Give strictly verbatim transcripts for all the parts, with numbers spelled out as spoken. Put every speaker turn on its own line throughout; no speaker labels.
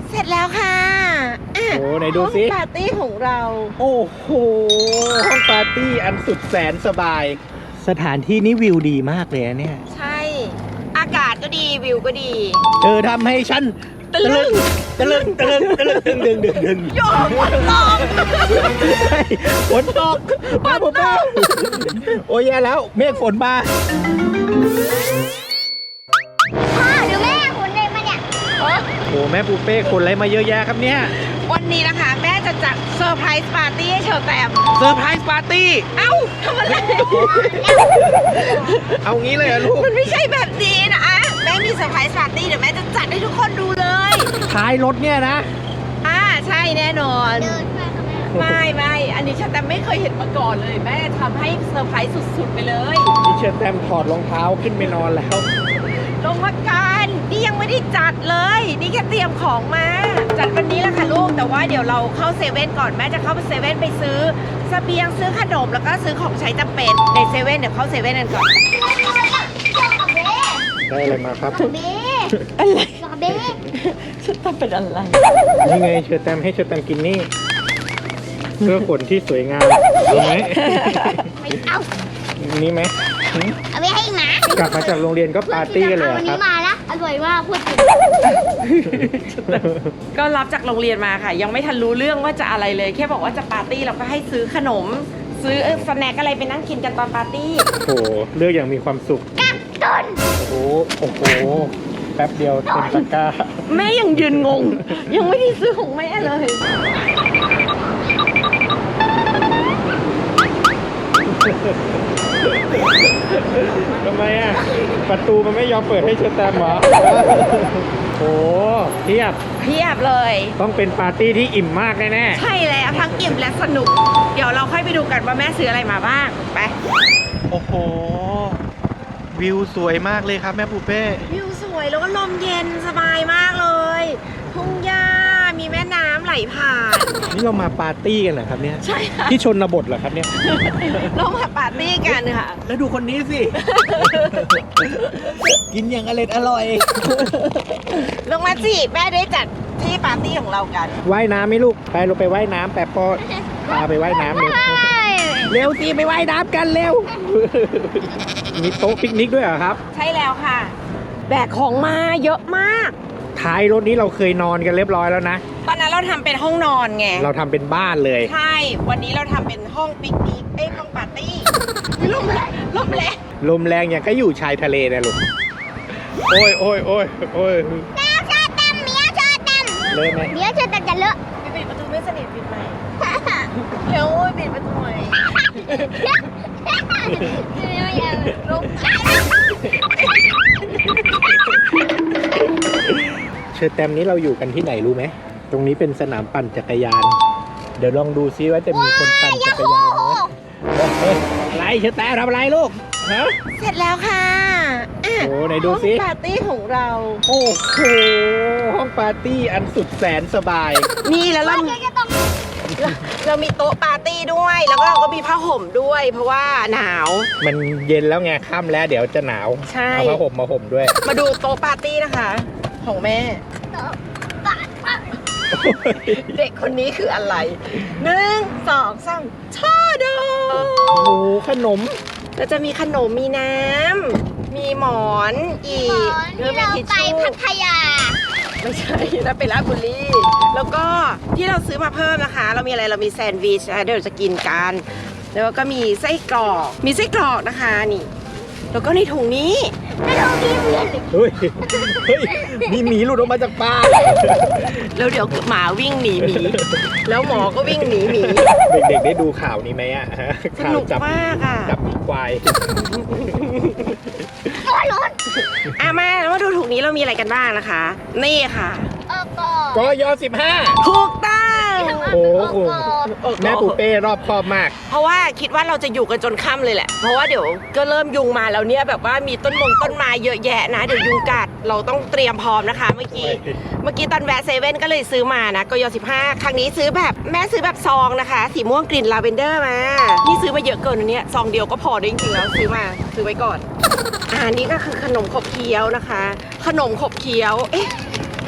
เสร็จแล้วค่ะ
โอ้ไหนดูสิ
ห้องปาร์ตี้ของเรา
โอ้โหห้องปาร์ตี้อันสุดแสนสบายสถานที่นี้วิวดีมากเลยเนี่ย
ใช่อากาศก็ดีวิวก็ดี
เธอทำให้ฉันตะลึงตะลึงตะลึงตะลึงดึงดึงดึงดึง
โยนฝนตก
ฝนตกมาผมมาโอ้ยแย่แล้วเมฆฝนมา
พ่อดูแม่ฝนเลยมาเนี่ย
โอ้แม่ปูเป้คนอะไรมาเยอะแยะครับเนี่ย
วันนี้นะคะแม่จะจัดเซอร์ไพรส์ปาร์ตี้ให้เชอแตม
เซอร์ไพรส์ปาร์ตี้
เอ้าทำอะไร
เอางี้เลยเหรอลูก
มันไม่ใช่แบบนี้นะแม่มีเซอร์ไพรส์ปาร์ตี้เดี๋ยวแม่จะจัดให้ทุกคนดูเลย
ท้ายรถเนี่ยนะ
อ่าใช่แน่นอนไม่ไม่อันนี้เชอแตมไม่เคยเห็นมาก่อนเลยแม่ทำให้เซอร์ไพรส์สุดๆไปเลย
นี่เชอแตมถอดรองเท้าขึ้นไปนอนแล้ว
ลงมากันนี่ยังไม่ได้จัดเลยนี่แค่เตรียมของมาจัดวันนี้แหละค่ะลูกแต่ว่าเดี๋ยวเราเข้าเซเว่นก่อนแม่จะเข้าไปเซเว่นไปซื้อเสบียงซื้อขนมแล้วก็ซื้อของใช้จำเป็นในเซเว่นเดี๋ยวเข้าเซเว่นกันก่อน
ได้อะไรมาครับ
เบ้
อะไร
เบ้
ฉันต้องเป็นอะไร
นี่ไงเชอแตมให้เชอแตมกินนี่เพื่อขนที่สวยงามเอาไหม
ไม่เอา
นี่ไหม
เอาไปให้หมาก
ลับมาจากโรงเรียนก็ปาร์ตี้กันเลยครับวัน
นี้มาแล้วอร่อยมากพูดจริง
ก็รับจากโรงเรียนมาค่ะยังไม่ทันรู้เรื่องว่าจะอะไรเลยแค่บอกว่าจะปาร์ตี้เราก็ให้ซื้อขนมซื้อสแน็คอะไรไปนั่งกินกันตอนปาร์ตี้
โอ้โหเลือกอย่างมีความสุข
กักตุน
โอ้โหโอ้โหแป๊บเดียวเต็มตะกร้า
แม่ยังยืนงงยังไม่ได้ซื้อของแม่เลย
ทำไมอ่ะประตูมันไม่ยอมเปิดให้เชอแตมเหรอโอ้เพียบ
เพียบเลย
ต้องเป็นปาร์ตี้ที่อิ่มมากแน่
ๆใช่แล้วทั้งอิ่มและสนุกเดี๋ยวเราค่อยไปดูกันว่าแม่ซื้ออะไรมาบ้างไป
โอ้โหวิวสวยมากเลยครับแม่ปูเป้
วิวสวยแล้วก็ลมเย็นสบายมากเลยทุ่งหญ้ามีแม่น้ำไหลผ่าน
นี่เรามาปาร์ตี้กันเหรอครับเนี่ย
ใช่ค่ะ
ที่ชนบทเหรอครับเนี่ย
เรามาปาร์ตี้กันค่ะ
แล้วดูคนนี้สิกินอย่างอร่อยอร่อย
ลงมาสิแม่ได้จัดที่ปาร์ตี้ของเรากัน
ว่ายน้ำไหมลูกไปเราไปว่ายน้ำแปะปอพาไปว่ายน้ำเร็วเร็วสิไปว่ายน้ำกันเร็วมีโต๊ะปิกนิกด้วยเหรอครับ
ใช่แล้วค่ะแบกของมาเยอะมาก
ท้ายรถนี้เราเคยนอนกันเรียบร้อยแล้วนะ
ตอนนั้นเราทำเป็นห้องนอนไง
เราทำเป็นบ้านเลย
ใช่วันนี้เราทำเป็นห้องปิกนิกเอ้ยห้องปาร์ตี้ลมแรงลมแรง
ลมแรงอย่างก็อยู่ชายทะเลนะลูกโอ้ยโอ้ยโอ้ยโอ้ย
แม่เชอแตมเมียเชอแตม
เลยไหม
เมียเชอแตมจะเลอะ
ปิดประตูไม่สนิทปิดไหมเร็วปิดประตูหน่อยลม
เชอแตมนี้เราอยู่กันที่ไหนรู้ไหมตรงนี้เป็นสนามปั่นจักรยานเดี๋ยวลองดูซิว่าจะมีคนปั่นจักรยานไหมอะไรเชอแตมทำอะไรลูกฮะ
เสร็จแล้วค่ะ
โอ้ไหนดูซิ
ห้องปาร์ตี้ของเรา
โอ้โหห้องปาร์ตี้อันสุดแสนสบาย
นี่แล้วเราเรามีโต๊ะปาร์ตี้ด้วยแล้วก็เราก็มีผ้าห่มด้วยเพราะว่าหนาว
มันเย็นแล้วไงค่ำแล้วเดี๋ยวจะหนาวเอาผ้าห่มมาห่มด้วย
มาดูโต๊ะปาร์ตี้นะคะของแม่เด็กคนนี้คืออะไรหนึ่งสองสามช่อดอก
โอ้โหขนม
แล้วจะมีขนมมีน้ำมีหมอนอีก
แล้วเราไปพัทยา
ไม่ใช่นะไปราชบุรีแล้วก็ที่เราซื้อมาเพิ่มนะคะเรามีอะไรเรามีแซนด์วิชนะเดี๋ยวจะกินกันแล้วก็มีไส้กรอกมีไส้กรอกนะคะนี่แล้วก็ในถุงนี้
ไม่ต้องมีเหมือน
เฮ้ยเฮ้ยมีหมีหลุดออกมาจากปาก
แล้วเดี๋ยวหมาวิ่งหนีหมีแล้วหมอก็วิ่งหนีหมี
เด็กๆได้ดูข่าวนี้ไหมอ่ะ
สนุกมากอ่ะ
จับหมีควาย
ร้อน
อ่ะมาแล้วมาดูถุงนี้เรามีอะไรกันบ้างนะคะนี่ค่ะ
กยสิบห้า
ถูกต้อง
โอ้โหแม่ปูเป้รอบคอบมาก
เพราะว่าคิดว่าเราจะอยู่กันจนค่ำเลยแหละเพราะว่าเดี๋ยวก็เริ่มยุงมาแล้วเนี่ยแบบว่ามีต้นมงต้นไม้เยอะแยะนะเดี๋ยวยุงกัดเราต้องเตรียมพร้อมนะคะเมื่อกี้เมื่อกี้ตอนแวะเซเว่นก็เลยซื้อมานะกยสิบห้าครั้งนี้ซื้อแบบแม่ซื้อแบบซองนะคะสีม่วงกลิ่นลาเวนเดอร์มานี่ซื้อมาเยอะเกินอันนี้ซองเดียวก็พอได้จริงๆแล้วซื้อมาซื้อไว้ก่อนอ่านี่ก็คือขนมขบเคี้ยวนะคะขนมขบเคี้ยวเอ๊ะ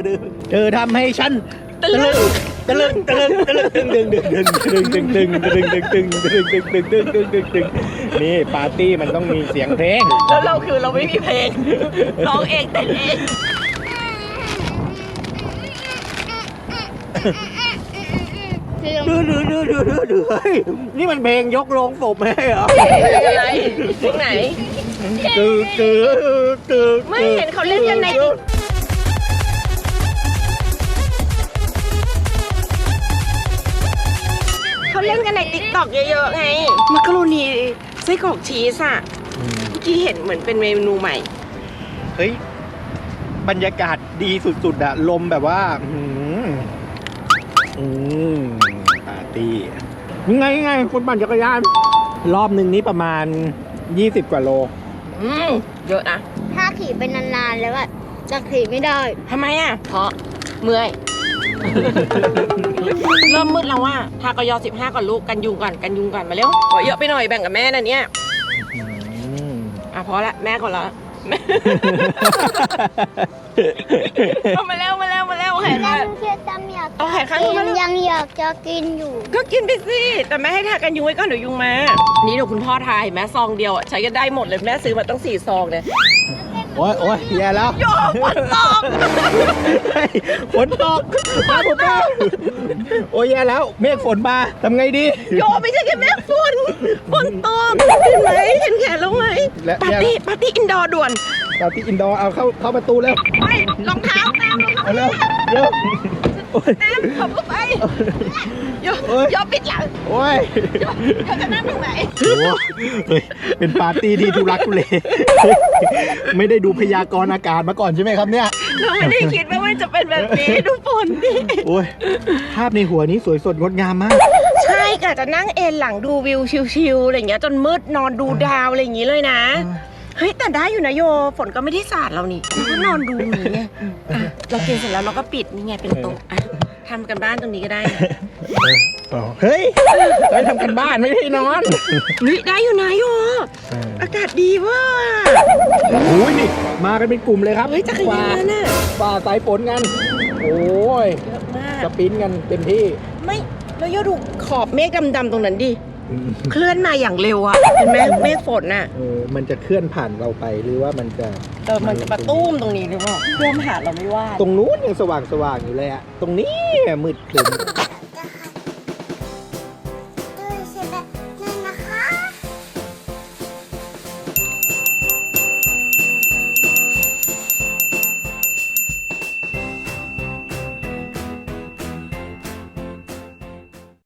ดื้อเธอทำให้ฉันตะลึงตะลึงตะลึงตะลึงตึงตึงตึงตึงตึงตึงตึงตึงตึงตึงตึงตึงตึงตึงตึงตึงนี่ปาร์ตี้มันต้องมีเสียงเพลง
แล้วเราคือเราไม่มีเพลงร้องเองเต้นเอง
ดื้อดื้อดื้อดื้อดื้อดื้อเฮ้ยนี่มันเพลงยกโรงศพไม่ใช่เหรอ
เพลงอะไรเพลงไหน
ตึ๊ดตึ๊ดตึ๊ด
ไม่เห็นเขาเล่นกันในเขาเล่นกันในติ๊กต็อกเยอะๆไงมักกะโรนีไส้กรอกชีสอ่ะเมื่อกี้เห็นเหมือนเป็นเมนูใหม่
เฮ้ยบรรยากาศดีสุดๆอะลมแบบว่าอืมอืมปาร์ตี้ยังไงยังไงคนปั่นจักรยาน รอบหนึ่งนี้ประมาณยี่สิบกว่าโล
อืมเยอะนะ
ถ้าขี่เป็นนานๆแล้วอะจะขี่ไม่ได้
ทำไมอ่ะ เพราะเมื่อย เริ่มมืดแล้วว่าทากยอสิบห้าก่อนลูกกันยุงก่อนกันยุงก่อนมาเร็วขอเยอะไปหน่อยแบ่งกับแม่นะเนี่ยอ่ะพอละแม่ก่อนละเอามาแล้วมาแล้วมาแล้วแข่ง
ยังเชื่อจำอยาก
เอาแข่งข้างนู้นมาแล้ว
ยังอยากจะกินอยู่
ก็กินไปสิแต่แม่ให้ทากันยุงไว้ก่อนเดี๋ยวยุงมา นี่เดี๋ยวคุณพ่อทายแม่ซองเดียวอ่ะใช้กันได้หมดเลยแม่ซื้อมาตั้งสี่ซองเลย
โอ้ยโอ้ยแย่แล้ว
โยกฝนตก
เฮ้ยฝนตกมาผมมาโอ้ยแย่แล้วเมฆฝนมาทำไงดี
โยไม่ใช่แค่แม่ฝนฝนตกเห็นไหมเห็นแขนแล้วไหม
และ
ปาร์ตี้ปาร์ตี้อินดอร์ด่วน
ปาร์ตี้อินดอร์เอาเข้าเข้าประตูแล้ว
ไปรองเท้าตามรองเท้า
เอาเร็วเร็วโอ้ย
ตามขับเข้าไปโย
โอ๊ย
โยปิดหลัง
โอ้ย
โยโยจะนั่งตรงไหน
โอ้โหเฮ้ยเป็นปาร์ตี้ที่ทุรักทุเล ไม่ได้ดูพยากรณ์อากาศมาก่อนใช่ไหมครับเนี่ย
เราไม่ได้คิดว่ามันจะเป็นแบบนี้ดูฝนดิ
โอ้ยภาพในหัวนี้สวยสดงดงามมาก
ใช่กะจะนั่งเอนหลังดูวิวชิลๆอะไรอย่างเงี้ยจนมืดนอนดูดาวอะไรอย่างงี้เลยนะ เฮ้ยแต่ได้อยู่นะโยฝนก็ไม่ได้สาดเรานี่เราก็นอนดูอย่างเงี้ยอ่ะเรากินเสร็จแล้วเราก็ปิดนี่ไงเป็นโต๊ะอ่ะทำกันบ้านตรงนี้ก็ได้นะ
เฮ้ยไปทำกันบ้านไม่ได้นอน
เฮ้ยได้อยู่นะโยอากาศดีเว่า
โอ้ยนี่มากันเป็นกลุ่มเลยครับ
เฮ้ยจักรยานน่ะ
ฝ่าสายฝนกัน โอ้ย
เยอะมาก
สปรินต์กันเต็มที่
ไม่แล้วโยดูขอบเมฆดำๆตรงนั้นดิเคลื่อนมาอย่างเร็วอะเห็นไหมเมฆฝนน่ะ
เออมันจะเคลื่อนผ่านเราไปหรือว่ามันจะ
เออมันจะมาตุ้มตรงนี้หรือเปล่าเคลื่อนผ่านเราไม่ว่า
ตรงนู้นยังสว่างสว่างๆอยู่เลยอะตรงนี้มืดครึ้ม